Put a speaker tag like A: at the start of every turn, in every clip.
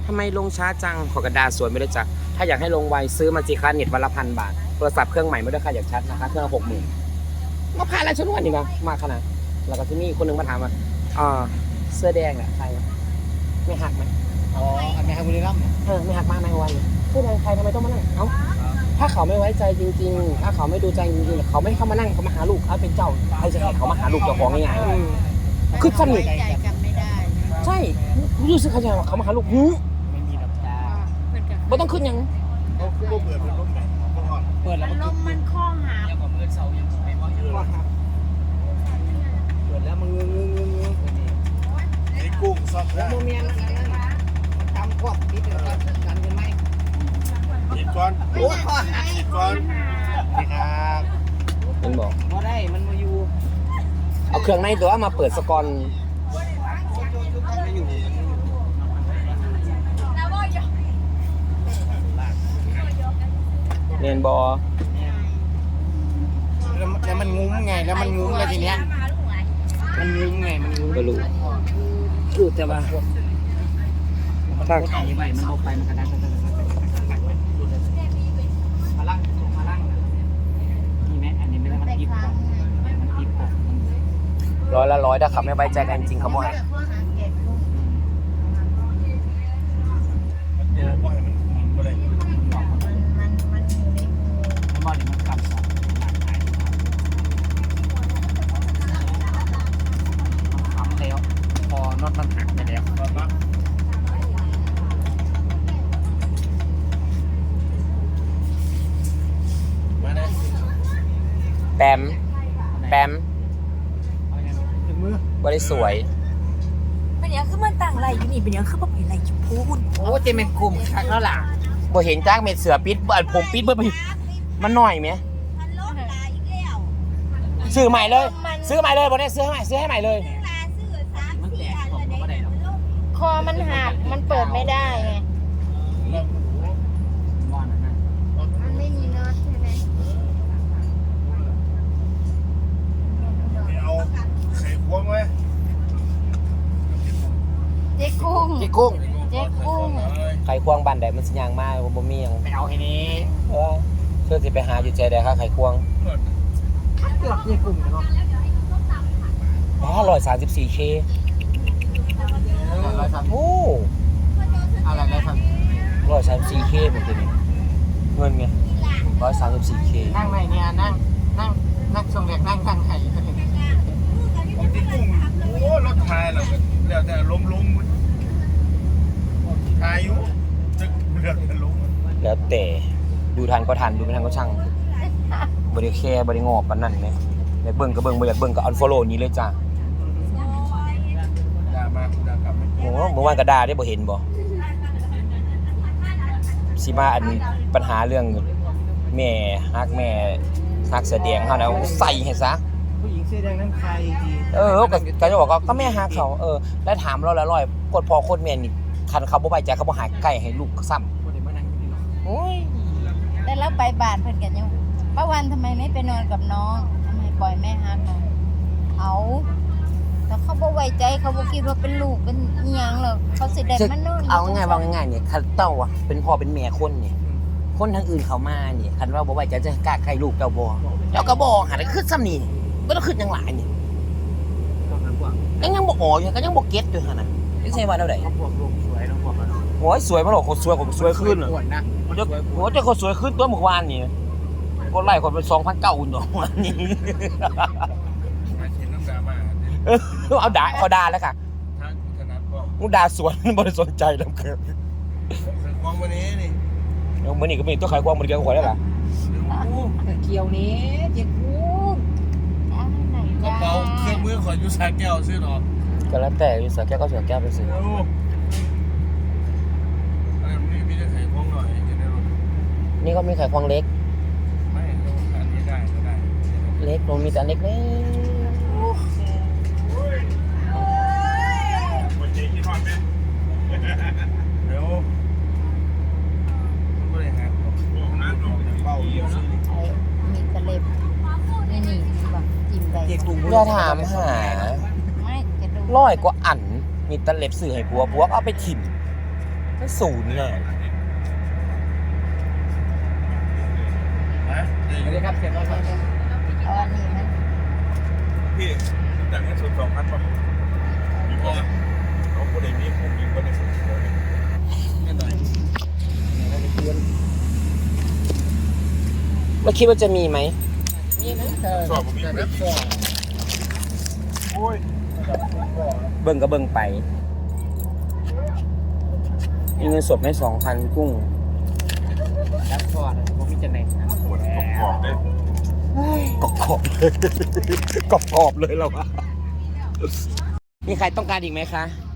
A: ทำไมลงช้าจังขอกระดาษสวยไม่ได้จ้ะถ้าอยากให้ลงไวซื้อมาสิคะเน็ตวันละ1,000 บาทโทรศัพท์เครื่องใหม่ไม่ได้ค่าอยากชัดนะคะเครื่องละ60,000มาผ่านอะไรฉันวันนี้นะมาขนาดแล้วก็ที่นี่คนหนึ่งมาถามว่าเสื้อแดงแหละใครไม่หักไหม
B: อ๋ออันนี้ให้บุรีรัมย์
A: ไม่หักมากในวันเสื้อแดงใครทำไมต้องมานั่งเอ้าถ้าเขาไม่ไว้ใจจริงๆถ้าเขาไม่ดูใจจริงๆเขาไม่เข้ามานั่งเขามาหาลูกเขาเป็นเจ้าใครจะให้เขามาหาลูกเจ้าของง่ายๆคือสนิท
C: ใจกันไม่ได้
A: ใช่รู้สึกเขาจะเขามาหาลูก
B: ไม่มีดอกจ้า
A: ไม่ต้องขึ้นยัง
B: เขาคือเปิดเป็นร่มไหนเปิดแล้ว
C: มันคล้องหา
B: ยังกับเมื่อเสาร์ยังไม่ว่าเยอะเปิดแล้วมันงื้อไอ้กุ้งซอกแล้วโมเมนต์ทำพวกนิดเดียวกันกันไหมอีกก่อนอีกก่อนนี่ครับ
A: มันบอก
B: ว่าได้มันมาอยู่
A: เอาเครื่องในตัวมาเปิดสกอนเรียนบอ
B: แล้วมันงุ้มไงแล้วมันงุ้มอะไรทีเนี้ยมันงุ้มไงมันงุ้ม
A: ก็รู้แต่ว่า
B: ถ้าใหม่มันเอาไปมันกระด้างมาล่างนี่ไหมอันนี้ไม่ได้มันทิพย์มันทิพย์
A: 100ถ้าขับไม่ไว้ใจกันจริงเขาบอกให้
B: น็อตมันหักไปแล้วมาเลย
A: แปมบริสวย
C: เป็นยังคือมันต่างไรอยู่นี่เป็นยังคือแบบเป็นไรจุดพูน
B: โอ้เจมันกลุ่มคักแล้วล่ะ
A: บ่เห็นจ้างเม็ดเสือปิดผมปิดเบิ่มันหน่อยไหมซื้อใหม่เลยบ่ได้ซื้อให้ใหม่เลย
C: คอมันหักมันเปิดไม่ได้ไงมันไม่มีน็อตใช่ไหม
B: เอาไข่ควงไว้
C: เจ๊กุ้ง
A: ไข่ควงบันไดมันสิยางมากบ่มีหยัง
B: ไปเอาให้นี้
A: เพื่อสิไปหาอยู่ใจใดค่ะไข่ควง
B: เกือบเจ๊กุ้งเนาะ
A: 134K โอ้
B: อะไรได้ครับ
A: 134K หมดเลยเงินไง134K
B: นั่งไหนเนี่ยนั่งชมเด็กนั่งไห้ที่กุ้งโอ้รถไทยเราแล้วแต่ล้มทายอยู่จะเลือกแต่ล้ม
A: แล้วแต่ดูทันก็ทันดูไม่ทันก็ช่างบริแคร์บริงอปานนั่นเนี่ยอยากเบิ่งก็เบิ่งบ่อยากเบิ่งก็อันฟอลโล่นี้เลยจ้าโอ้เมื่อวานก็ด่าได้บ่เห็นบ่สิมาอันปัญหาเรื่องแม่ฮักเสื้อแดงเฮานะใส่ให้ซะ
B: ผู้หญิงเสื้อแดงนั้นใครดี
A: ก็จะบอกก็แม่ฮักเขาแล้วถามเราละร้อยกดพอโคตรแม่นี่คันเขาบ่ไว้ใจเขาบ่หายใกล้ให้ลูกซ้ำโอ้ย
C: แต่แล้วไปบ้านเพิ่นกันยังป้าวันทำไมไม่ไปนอนกับน้องทำไมปล่อยแม่ฮักน้องแล้วเขาบ่ไว้ใจเขาบ่คิดว่าเป็นลูกเป็นอีหยังหรอกเขาสิได้มานอน
A: เอาง่ายว่าง่ายเนี่ยคันเต้าอ่ะเป็นพ่อเป็นแม่คนนี่คนทางอื่นเขามานี่คันว่าบ่ไว้ใจจะกล้าใครลูกเจ้าบ่เจ้าก็บ่หาได้ขึ้นซ้ำนี่บ่ต้องขึ้นจังหลายนี่ยังบ่อ๋ออยู่ก็ยังบ่เก็ตอยู่หั่นน่ะจังไส๋ว่าแนวใด
B: พวกลูกสวยน้องพวกมัน
A: โอ้ยสวยบ่หรอกคนสวยผมสวยขึ้นน่ะโอ้เจ้าคนสวยขึ้นตัวเมื่อวานนี่คนไล่คนเป็น 2,900 อุ่นดอกวันนี้เอาด่าเขาด่าแล้วค่ะมึงด่าสวนบริสุทธิ์ใจแล้วเกิน
B: ควงวันนี้นี่
A: วันนี้ก็มีตัวขายควงมันเกี่ยวกับแล้วล่ะ
B: เกี่ยวนี้เจ๊กุ้งกระเป๋าเครื่องมือขอยูสาแก้วซื้อหรอ
A: ก็แล้วแต่ยูสาแก้วก็เสือแก้วไปซื้อ
B: นี่มีแต่ไข่ควงหน่อยจะได้รู้
A: นี่ก็มีไข่ควงเล็ก
B: ไม่อันนี้ได้ก็ได้
A: เล็กมันมีแต่เล็กเลย
B: เดี๋ยวมันก็เลยหักน้ำออกจากเป้า
C: มีตะเล็บนี่แบบจิ้มไป
A: อย่าถามหา100 กว่าอันมีตะเล็บสื่อให้ผัวเอาไปถิ่มก็ศูนย์เลย
B: สวัสดีครับเสียงอะไร
C: เอาอันนี้มัน
B: พี่แต่งให้สุด2,000ป่ะมีพ่อเขาคนเดียวนี้ผมยิงคนในสุดเลยไม่ได้
A: แล้วคิดว่าจะมีไหม
B: สอบผมมีแบบสอบโอ้ย
A: เบิ่งก็เบิ่งไปมีเงินสดไม่2,000กุ้ง
D: รับพอดผมมีจะไหน
B: ปวดขอบได้
A: กรอบเลยกรอบเลยเราอะมีใครต้องการอีกไหมคะ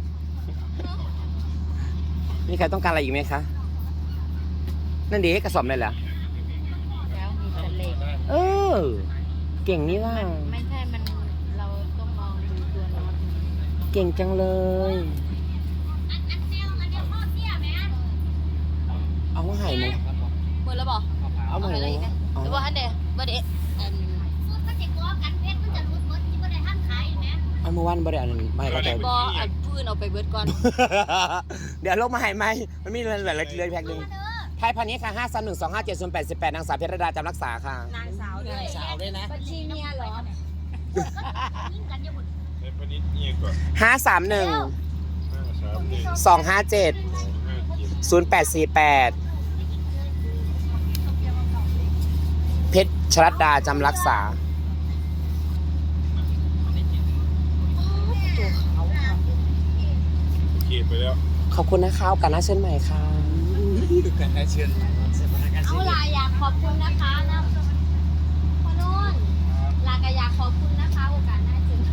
A: มีใครต้องการอะไรอีกไหมคะ นั่นดีกระสอบเลยเหรอ
C: แล้วมีแต่เหล็ก
A: เออ เก่งนี่ว่า
C: ไม่ใช่มันเราต้องมองดูตัวน็อต
A: เก่งจังเลย เอามาให้ไหม
C: หมดแล้วบอก
A: เอามาให้ไหมเอา
C: หรือว่าอันเดียวบ่ได้
A: เอามาวันบ่ได้อันนั้นไม่ก็ใจ
C: บ่อันพื้นเอาไปเบิดก่อน
A: เดี๋ยวลงมาให้ไหมมันมีเหลือแพ็คหนึ่งไทยพาณิชย์ค่ะ531257088นางสาวเพชรดาจำรักษาค่ะ
C: นางสาวด้วยนะบัญชีเมียเหรอ
B: ในพนิดนี่ก่อน
A: 531
B: 531
A: 257 0848 เพชรชรัตดาจำรักษา
B: โอเคไปแล้ว
A: ขอบคุณนะคะโอกาสหน้าเชิญใหม่ค่ะ
D: กันได้เชิญสถานการณ์
E: เอาลาอยากขอบคุณนะคะนะพ่อนุ่นลาก็อยากขอบคุณนะคะโอกาสหน้าเจอ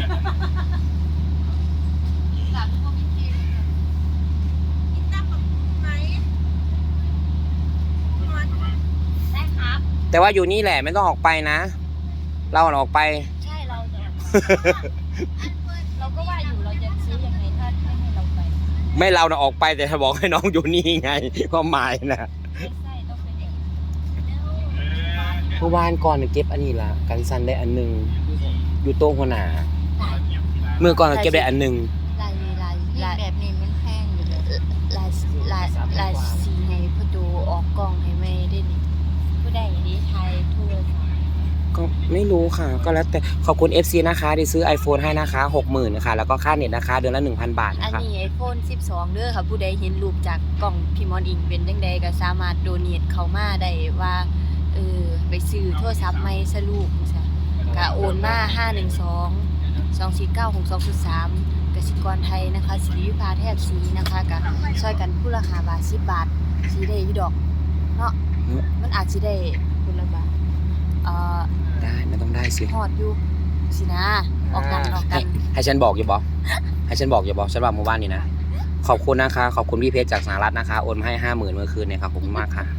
E: แบบพวกพี่ทีมกินน้ำกับไหมได้ครับ
A: แต่ว่าอยู่นี่แหละไม่ต้องออกไปนะ เราออกไป
E: ใช่เราจะเราก็ว่าอยู่เราจะซื้อยังไงถ้าไม่ให้เราไป
A: ไม่เราออกไปแต่ถ้าบอกให้น้องอยู่นี่ไงความหมายนะ
E: ไม่ใช่ต้องเป็นอย่าง
A: เมื่อวานก่อนเก็บอันนี้ละกันซันได้อันหนึงอยู่โต๊ะหัวหน้าเมื่อก่อนเก็บได้อันหนึง
C: ลายแบบนี้มันแพงอยู่เลย
E: ลายสีให้พ่อดูออกกล้องให้ไม่ได้ดิผู้ใดดีไทยทั่ว
A: ก็ไม่รู้ค่ะ ก็แล้วแต่ขอบคุณ FC นะคะที่ซื้อ iPhone ให้นะคะ 60,000นะคะแล้วก็ค่าเน็ตนะคะเดือนละ 1,000 บาท
E: อัน
A: นะคะ
E: นี้ iPhone 12 เด้อค่ะผู้ใดเห็นรูปจากกล่องพี่มอนอิงเป็นจังใดก็สามารถโดเนทเข้ามาได้ว่าไปซื้อโทรศัพท์ใหม่ซะลูกจังซี่ก็โอนมา512-249-6203กสิกรไทยนะคะสิริวิภาแทบศรีนะคะก็ช่วยกันผู้ละ5บาท10บาทสิได้อยู่ดอกเนาะมันอาจสิได้คนละบาท
A: ได้ไม่ต้องได้สิ
E: ฮอดอยู่สินะออกกัน
A: ให้ฉันบอกอย่าบอกให้ฉันบอกอย่าบอกฉันว่าหมู่บ้านนี่นะขอบคุณนะคะขอบคุณพี่เพชรจากสหรัฐนะคะโอนมาให้ 50,000 เมื่อคืนเนี่ยครับขอบคุณมากค่ะ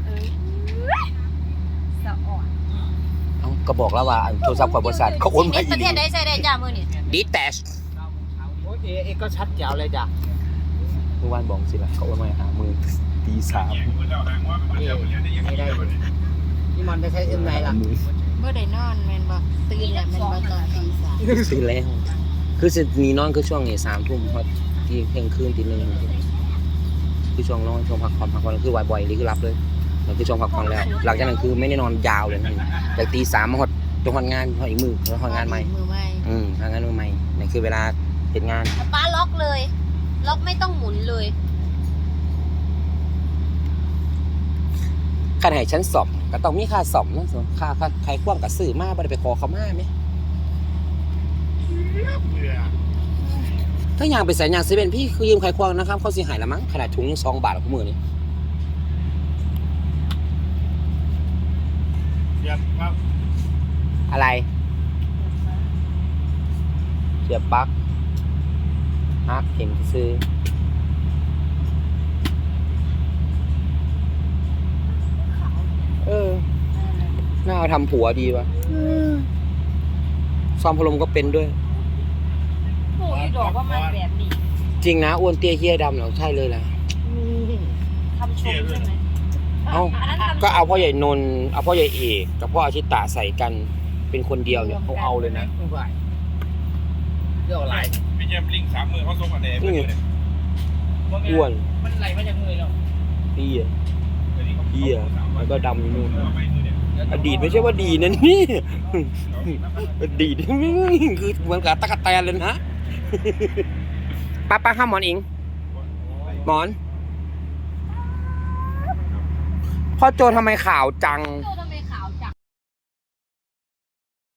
E: สะอ่อน
A: เอ้าก็บอกแล้วว่าโทรศัพท์ของบริษัทเขาโอนมาอี
E: ประ
A: ก
E: เทศใดใช้ได้จ้ามื้อนี้
A: ดีแตช
D: โอ้ยเอก็ชัดแจ๋วเลยจ้ะ
A: เมื่อวานบอกสิล่ะเขาโอนมาหามือตีสาม
D: ไม่ได้พี่มอนได้ใช้เส้นไหนล่ะ
C: เมื่อได้นอนแม่นบ่ตื่นแล้วแม่นบ่ตอนตีสาม
A: ตื่นแล้วคือสิมีนอนคือช่วงนี้3 ทุ่มพอที่เที่ยงคืนตีหนึ่งคือช่วงนอนช่วงพักผ่อนคือบ่อยๆนี่คือรับเลยมันคือช่วงพักผ่อนแล้ว หลังจากนั้นคือไม่ได้นอนยาวเลยนั่นจากตี 3มาหดจนหดงานหดอีกมือแล้วหดงานใหม่
C: มือใหม่
A: ทำงานมือใหม่นี่คือเวลาเฮ็ดงาน
E: ป้าล็อกเลย ล็อกไม่ต้องหมุนเลย
A: คันให้ฉันสอบก็ต้องมีค่าสอบนะค่าใครคว่ำกับซื้อมาบ่ได้ไปขอเขามาไหมถ้าอยากไปใส่ยางเซเว่นพี่คือยืมใครควงนะครับเขาสิหายละมั้งขนาดถุงยัง2 บาทกับมือนี่
B: เสียบครับ
A: อะไรเสียบปลั๊กฮักเห็นซื้อน่าเอาทำผัวดีวะซ่อมพัดลมก็เป็นด้วย
E: โอ้ยดอกว่ามันแบบนี้
A: จริงนะอ้วนเตี้ยเหี้ยดำเหรอใช่เลยล่ะ
E: คำชมใช่ไหม
A: เอ้าก็เอาพ่อใหญ่นนท์เอาพ่อใหญ่เอกกับพ่ออาชิตะใส่กันเป็นคนเดียวเนี่ยเอาเลยนะ
D: เรื่องอะไร
B: พี่เยี่ยมลิง3 มือเขาส่งมาแดง
A: นี่ไงอ้วน
D: มันไหลมาจากมือ
A: พี่แล้วก็ดำอยู่นู่นอดีตไม่ใช่ว่าดีนะนี่อดีตคือเหมือนกับตะกั่วแตนเลยนะป้าห้ามหมอนอิงหมอนพ่อโจทำไมข่าวจัง
C: โจท